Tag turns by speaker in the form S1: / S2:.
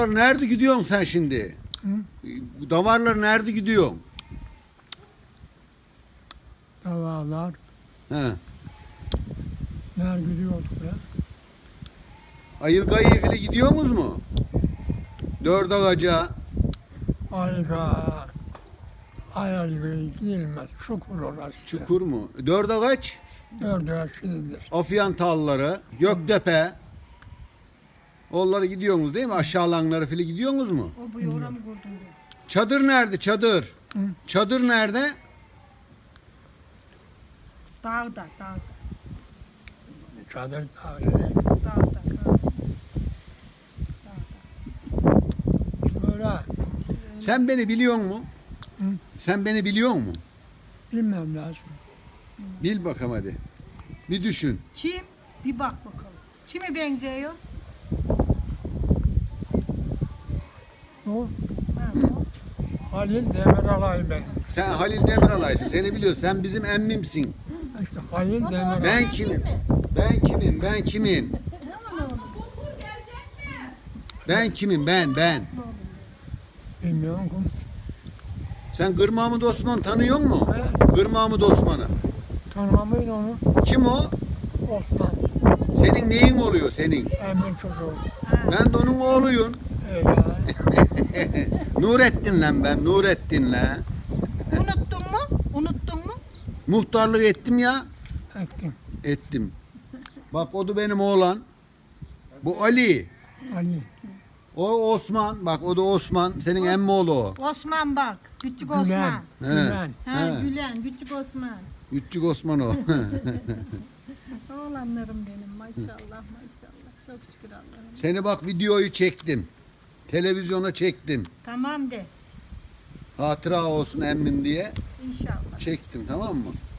S1: Nerede gidiyorsun sen şimdi?
S2: Hı?
S1: Davarlar nerede gidiyorsun?
S2: Davalar.
S1: He.
S2: Ner gidiyorduk ya.
S1: Ayırgayı ile gidiyorsunuz mu? Dört ağaca.
S2: Ayga. Ayga gidilmez. Çukur orası.
S1: Çukur mu? Dört ağaç.
S2: Dördü yaşlıdır.
S1: Afyan Talları, Göktepe. Onlara gidiyorsunuz değil mi? Aşağılanlara falan gidiyorsunuz mu?
S3: O bu yoğura mı kurdun diyor.
S1: Çadır nerede? Çadır.
S2: Hı.
S1: Çadır nerede?
S3: Dağda.
S2: Çadır tarihi.
S3: Dağda.
S2: Böyle
S1: Sen beni biliyor musun?
S2: Hı.
S1: Sen beni biliyor musun?
S2: bilmem lazım.
S1: Bil bakalım hadi. Bir düşün.
S3: Kim? Bir bak bakalım. Kime benziyor?
S2: O
S3: Ha, o.
S2: Halil Demiralay ben.
S1: Sen Halil Demiralaysın. Seni biliyorsun. Sen bizim emmimsin.
S2: İşte Halil Demiralay.
S1: Ben kimim? Ben kimim? Ben kimim? Ben kimim? Ben.
S2: Bilmiyorum ki.
S1: Sen Gır Mahmut Osman tanıyor musun?
S2: He?
S1: Gır Mahmut Osman'ı.
S2: Tanımamayın onu.
S1: Kim o?
S2: Osman.
S1: Senin neyin oluyor senin?
S2: Emin çocuğu.
S1: Ben de onun oğluyum.
S2: Ya.
S1: Nurettin lan ben. Nurettin lan.
S3: Unuttun mu?
S1: Muhtarlık ettim ya.
S2: Ettim.
S1: Ettim. Bak o da benim oğlan. Bu Ali.
S2: Ali.
S1: O Osman. Bak o da Osman. Senin emmi oğlu o.
S3: Osman bak. Küçük
S2: Gülen.
S3: Osman.
S2: Gülen.
S3: Ha,
S1: He.
S3: Gülen. Küçük Osman.
S1: Küçük Osman o.
S3: Oğlanlarım benim. Maşallah. Çok şükür Allah'ım.
S1: Seni bak videoyu çektim. Televizyona çektim.
S3: Tamam de.
S1: Hatıra olsun emmim diye
S3: İnşallah.
S1: çektim, tamam mı?